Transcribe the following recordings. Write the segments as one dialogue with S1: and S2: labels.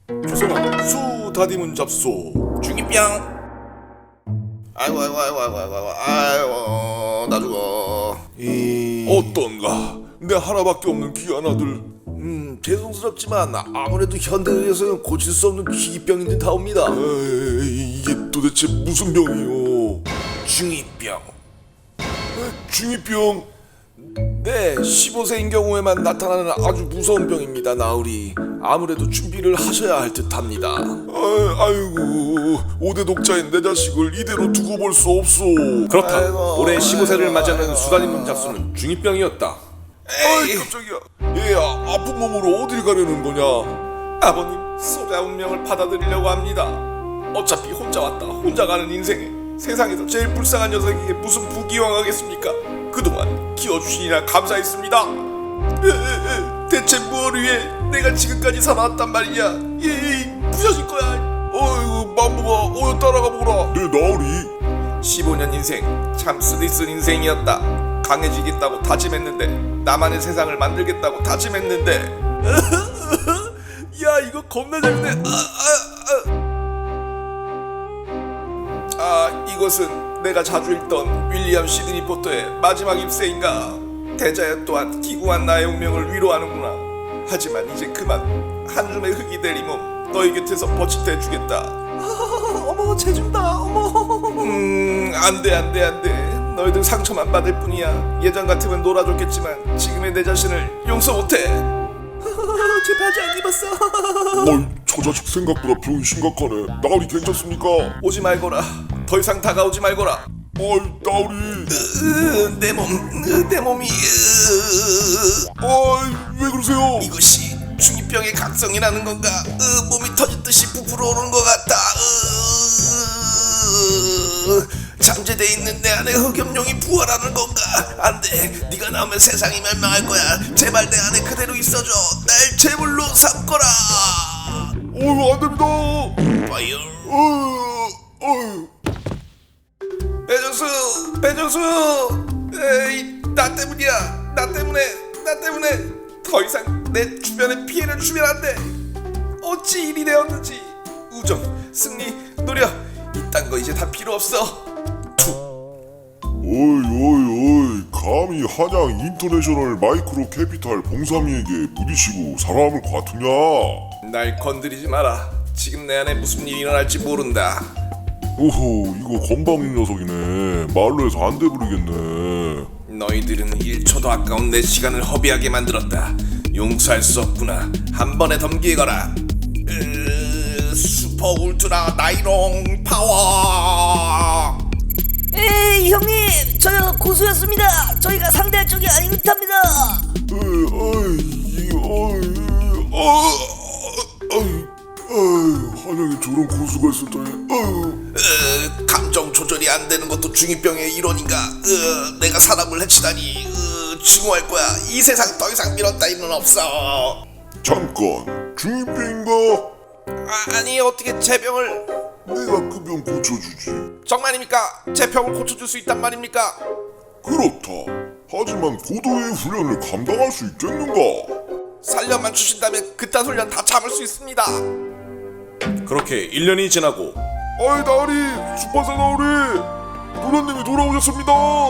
S1: 조선왕 수 다디문 잡소.
S2: 중이병. 아이고 나 죽어.
S1: 어떤가? 내 하나밖에 없는 귀한 아들.
S2: 죄송스럽지만 아무래도 현대의학에서는 고칠 수 없는 중이병인 듯 하옵니다.
S1: 이게 도대체 무슨 병이요?
S2: 중이병.
S1: 중이병? 네, 15세인 경우에만 나타나는 아주 무서운 병입니다, 나으리. 아무래도 준비를 하셔야 할 듯합니다. 아이고, 5대 독자인 내 자식을 이대로 두고 볼 수 없소.
S3: 그렇다.
S2: 아이고,
S3: 올해 15세를
S2: 아이고,
S3: 맞이하는
S2: 아이고.
S3: 수다니문 잡수는 중이병이었다.
S1: 아이 깜짝이야. 얘야, 아픈 몸으로 어딜 가려는 거냐?
S3: 아버님, 소자 운명을 받아들이려고 합니다. 어차피 혼자 왔다 혼자 가는 인생에 세상에서 제일 불쌍한 녀석에게 무슨 부기왕하겠습니까? 그동안 키워주시니라 감사했습니다. 대체 뭘 위해 내가 지금까지 살아왔단 말이냐? 부셔질 거야.
S1: 어이구, 만보가 따라가 보라. 내 나으리.
S3: 15년 인생 참 쓰디쓴 인생이었다. 강해지겠다고 다짐했는데, 나만의 세상을 만들겠다고 다짐했는데 야, 이거 겁나 재밌네. 이것은 내가 자주 읽던 윌리엄 시드니 포터의 마지막 입세인가. 대자연 또한 기구한 나의 운명을 위로하는구나. 하지만 이제 그만. 한 줌의 흙이 될 이 몸 너희 곁에서 버칫해 주겠다.
S2: 어머 재준다. 어머.
S3: 안돼. 너희들 상처만 받을 뿐이야. 예전 같으면 놀아줬겠지만 지금의 내 자신을 용서 못해.
S2: 제 바지 안 입었어.
S1: 저 자식 생각보다 병이 심각하네. 나으리 괜찮습니까?
S3: 오지 말거라. 더 이상 다가오지 말거라.
S1: 나으리.
S3: 내 몸이
S1: 왜 그러세요?
S3: 이것이 중이병의 각성이라는 건가? 몸이 터질 듯이 부풀어 오르는 것 같다. 잠재돼 있는 내 안에 흑염룡이 부활하는 건가? 안돼. 네가 나오면 세상이 멸망할 거야. 제발 내 안에 그대로 있어줘. 날 제물로 삼거라.
S1: 안됩니다.
S3: 파이어. 배정수. 에이, 나 때문이야. 나 때문에 더 이상 내 주변에 피해를 주면 안 돼. 어찌 일이 되었는지. 우정, 승리, 노력, 이딴 거 이제 다 필요 없어.
S1: 감히 한양 인터내셔널 마이크로 캐피탈 봉삼이에게 부딪히고 살아남을 것 같으냐?
S3: 날 건드리지 마라. 지금 내 안에 무슨 일이 일어날지 모른다.
S1: 오호, 이거 건방진 녀석이네. 말로 해서 안 돼버리겠네.
S3: 너희들은 1초도 아까운 내 시간을 허비하게 만들었다. 용서할 수 없구나. 한 번에 덤기에 거라. 슈퍼 울트라 나이롱 파워.
S4: 에이 형님, 저요 고수였습니다. 저희가 상대할 쪽이 아닌 듯합니다.
S1: 한양에 저런 고수가 있었다니.
S3: 감정 조절이 안 되는 것도 중이병의 일원인가? 내가 사람을 해치다니. 증오할 거야. 이 세상 더 이상 미련 따위는 없어.
S1: 잠깐, 중이병인가?
S3: 아니, 어떻게 제 병을?
S1: 내가 그 병 고쳐주지.
S3: 정말입니까? 제 병을 고쳐줄 수 있단 말입니까?
S1: 그렇다. 하지만 고도의 훈련을 감당할 수 있겠는가?
S3: 살려만 주신다면 그딴 훈련 다 참을 수 있습니다.
S2: 그렇게 1년이 지나고
S1: 나으리, 수판사 나으리, 누나님이 돌아오셨습니다.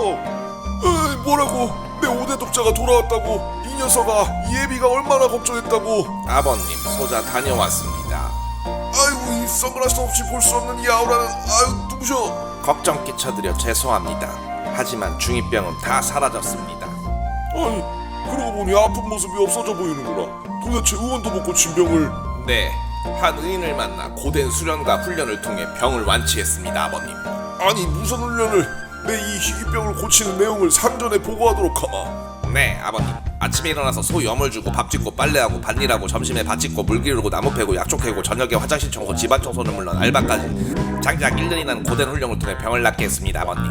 S1: 뭐라고? 내 5대 독자가 돌아왔다고? 이 녀석아, 이 애비가 얼마나 걱정했다고?
S3: 아버님, 소자 다녀왔습니다.
S1: 아이고, 이 선글라스 없이 볼 수 없는 이 아우라는, 누구셔?
S3: 걱정 끼쳐드려 죄송합니다. 하지만 중이병은 다 사라졌습니다.
S1: 그러고 보니 아픈 모습이 없어져 보이는구나. 도대체 의원도 못 고친 병을.
S3: 네, 한 의인을 만나 고된 수련과 훈련을 통해 병을 완치했습니다, 아버님.
S1: 아니, 무슨 훈련을? 내 이 희귀병을 고치는 내용을 상전에 보고하도록 하마.
S3: 네, 아버님. 아침에 일어나서 소 염을 주고 밥 짓고 빨래하고 밭일하고 점심에 밭 짓고 물 기르고 나무 패고 약초 캐고 저녁에 화장실 청소 집안 청소는 물론 알바까지 장작 1년이라는 고된 훈련을 통해 병을 낫게 했습니다, 아버님.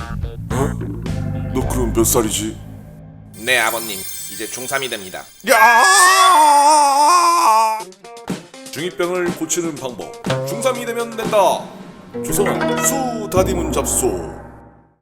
S1: 너 그럼 몇 살이지?
S3: 네, 아버님. 이제 중3이 됩니다.
S1: 중이병을 고치는 방법. 중3이 되면 된다. 조선왕 수 다디문 잡소.